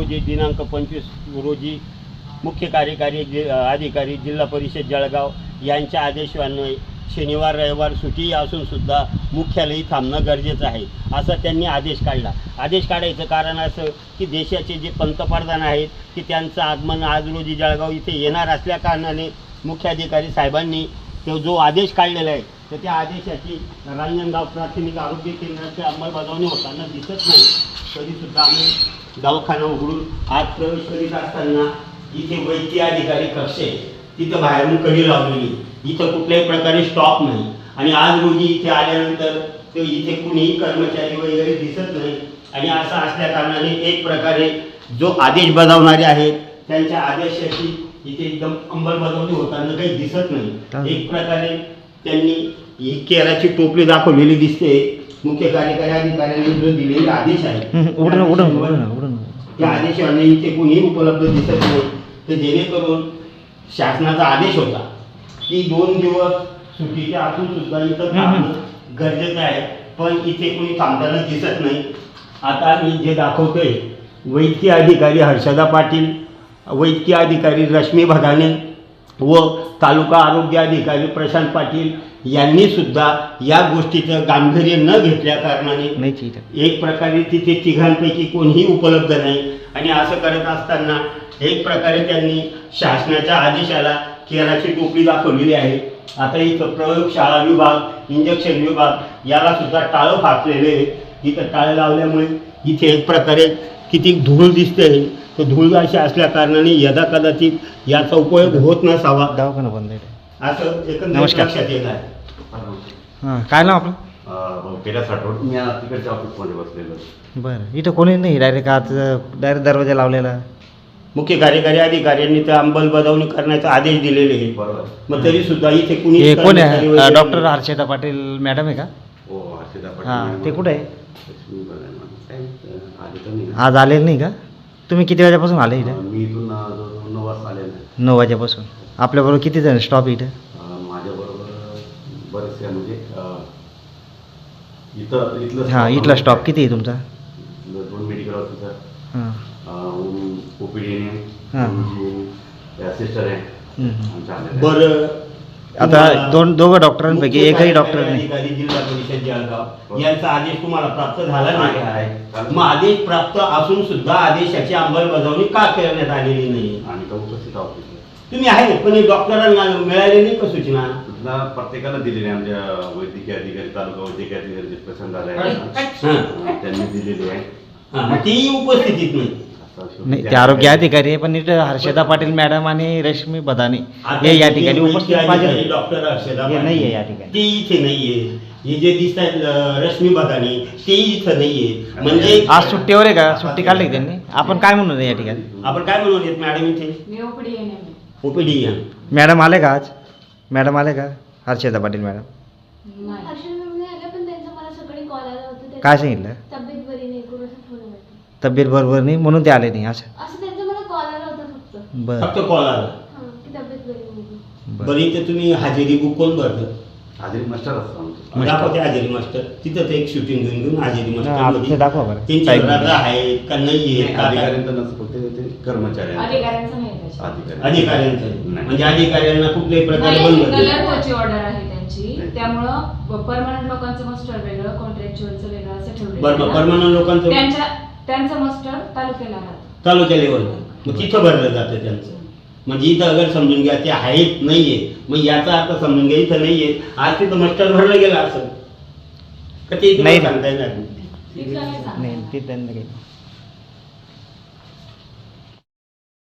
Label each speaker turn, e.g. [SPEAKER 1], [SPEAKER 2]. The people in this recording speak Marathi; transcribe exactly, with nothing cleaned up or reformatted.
[SPEAKER 1] रोजी दिनांक पंचवीस रोजी मुख्य कार्यकारी जि अधिकारी जिल्हा परिषद जळगाव यांच्या आदेशान्वये शनिवार रविवार सुट्टी असूनसुद्धा मुख्यालयी थांबणं गरजेचं आहे असं त्यांनी आदेश काढला. आदेश काढायचं कारण असं की देशाचे जे पंतप्रधान आहेत की त्यांचं आगमन आज रोजी जळगाव इथे येणार असल्या कारणाने मुख्याधिकारी साहेबांनी तो जो आदेश काढलेला आहे तर त्या आदेशाची रांजणगाव प्राथमिक आरोग्य केंद्राची अंमलबजावणी होताना दिसत नाही. तरीसुद्धा आम्ही दवाखाना उघडून आज प्रवेश करीत असताना इथे वैद्यकीय अधिकारी कक्ष आहे, तिथं बाहेरून कडी लावलेली, इथं कुठल्याही प्रकारे स्टॉप नाही. आणि आज रोजी इथे आल्यानंतर ते इथे कुणीही कर्मचारी वगैरे दिसत नाही. आणि असं असल्या कारणाने एक प्रकारे जो आदेश बजावणारे आहेत त्यांच्या आदेशाची इथे एकदम अंमलबजावणी होताना काही दिसत नाही. एक प्रकारे त्यांनी ही केराची टोपली दाखवलेली दिसते. मुख्य कार्यकारी अधिकाऱ्यांनी जो दिलेला आदेश आहे त्या आदेशाने इथे कुणीही उपलब्ध दिसत नाही. तर जेणेकरून शासनाचा आदेश होता की दोन दिवस सुट्टीच्या असून सुद्धा इथं थांबणं गरजेचं आहे, पण इथे कुणी थांबताना दिसत नाही. आता मी जे दाखवतोय वैद्यकीय अधिकारी हर्षदा पाटील, वैद्यकीय अधिकारी रश्मी भदाणे व तालुका आरोग्य अधिकारी प्रशांत पाटील यांनी सुद्धा या गोष्टीचं गांभीर्य न घेतल्या कारणाने एक प्रकारे तिथे तिघांपैकी कोणीही उपलब्ध नाही. आणि असं करत असताना एक प्रकारे त्यांनी शासनाच्या आदेशाला केराची टोपली दाखवलेली आहे. आता इथं प्रयोगशाळा विभाग, इंजेक्शन विभाग याला सुद्धा टाळं फासलेले आहे. इथं टाळं लावल्यामुळे इथे एक प्रकारे किती धूळ दिसते. तो धूळ अशी असल्या कारणाने यदा कदाचित याचा उपयोग होत नसावा, दवाखाना बंद आहे असं एकंदरीत लक्षात येत आहे.
[SPEAKER 2] हां, काय नाव आपलं?
[SPEAKER 3] पेरा साठवड. मी तिकडच्या ऑफिसमध्ये बसलेलो.
[SPEAKER 2] बरं, इथं कोणी नाही डायरेक्ट आज डायरेक्ट दरवाजा लावलेला.
[SPEAKER 1] मुख्य कार्यकारी अधिकाऱ्यांनी तर अंमलबजावणी करण्याचा आदेश दिलेले आहे.
[SPEAKER 3] बरोबर.
[SPEAKER 1] मग तरी सुद्धा इथे कुणी
[SPEAKER 2] हे कोण आहे? डॉक्टर हर्षदा पाटील मॅडम आहे का?
[SPEAKER 3] हो, हर्षदा पाटील.
[SPEAKER 2] हां, ते कुठे आहे?
[SPEAKER 3] आधी तर नाही.
[SPEAKER 2] आज आलेलं नाही का? तुम्ही किती वाजेपासून आले इथे?
[SPEAKER 3] मी इथून जवळजवळ नऊ वाजता आले नाही.
[SPEAKER 2] नऊ वाजेपासून. आपल्याबरोबर किती जण स्टॉप इथं?
[SPEAKER 3] माझ्याबरोबर बरेचसे म्हणजे इथं इथलं
[SPEAKER 2] हां, इथला स्टॉप किती आहे तुमचा?
[SPEAKER 3] दोन मेडिकल ऑफिसर,
[SPEAKER 2] हां
[SPEAKER 3] ओपीडी,
[SPEAKER 2] हां
[SPEAKER 3] सिस्टर आहे.
[SPEAKER 1] बरं,
[SPEAKER 2] आता दोन दोघं डॉक्टरांपैकी एकही डॉक्टर नाही.
[SPEAKER 1] अधिकारी जिल्हा परिषद जळगाव यांचा आदेश तुम्हाला प्राप्त झाला नाही आहे. मग आदेश प्राप्त असून सुद्धा आदेशाची अंमलबजावणी का करण्यात आलेली नाही?
[SPEAKER 3] आणि तो उपस्थित ऑफिस
[SPEAKER 1] तुम्ही आहे पण डॉक्टरांना मिळाले नाही का सूचना?
[SPEAKER 3] सूचना प्रत्येकाला दिलेली आहे. आमच्या वैद्यकीय अधिकारी, तालुका वैद्यकीय अधिकारी जे प्रसंग झाले आहे त्यांनी दिलेली आहे.
[SPEAKER 1] तेही उपस्थितीत नाही.
[SPEAKER 2] नाही, ते आरोग्य अधिकारी आहे, पण इथं हर्षदा पाटील मॅडम आणि रश्मी बदाने हे या ठिकाणी उपस्थित पाहिजे.
[SPEAKER 1] डॉक्टर हर्षदा
[SPEAKER 2] नाही आहे या ठिकाणी,
[SPEAKER 1] ते इथे नाहीये. हे जे दिसत आहेत रश्मी बदाने ते इथं नाहीये. म्हणजे
[SPEAKER 2] आज सुट्टीवर आहे का? सुट्टी काढली त्यांनी. आपण काय म्हणू या ठिकाणी?
[SPEAKER 1] आपण काय म्हणून येत मॅडम इथे ओपीडी या.
[SPEAKER 2] मॅडम आले का आज? मॅडम आले का? हर्षदा पाटील मॅडम काय सांगितलं? तब्येत बरोबर नाही म्हणून ते आले नाही असं? बरं,
[SPEAKER 1] फक्त कॉल आला. बरं, इथे तुम्ही हजेरी बुक कोण भरलं?
[SPEAKER 3] हजेरी मास्टर असतो.
[SPEAKER 1] दाखवते हजेरी मास्टर. तिथं ते एक शूटिंग घेऊन घेऊन हजेरी मास्टर
[SPEAKER 2] दाखवा बरं.
[SPEAKER 1] त्यांची आहेत का नाही आहेत?
[SPEAKER 3] अधिकाऱ्यांचं नसतं, फक्त ते कर्मचारी
[SPEAKER 4] अधिकाऱ्यांचं नाही.
[SPEAKER 1] अधिकाऱ्यांचं म्हणजे अधिकाऱ्यांना कुठल्याही प्रकारे बंद
[SPEAKER 4] ऑर्डर आहे त्यांची, त्यामुळं परमनंट लोकांचं मस्टर वेगळं, कॉन्ट्रॅक्च्युअलचं वेगळं असं ठेवलं.
[SPEAKER 1] बरं, परमनंट लोकांचं
[SPEAKER 4] त्यांच्या त्यांचं मस्टर तालुक्याला राहतं,
[SPEAKER 1] तालुक्या लेवलला. मग तिथं भरलं जातं त्यांचं. म्हणजे इथं अगर समजून घ्या ते आहेत नाहीये, मग याचा अर्थ समजून घ्या इथं नाहीये. आज तिथं मस्टर भरलं गेलं असं का ते सांगता येणार
[SPEAKER 4] तिथलं नाही सांगता.
[SPEAKER 2] नाही, ते त्यांना काही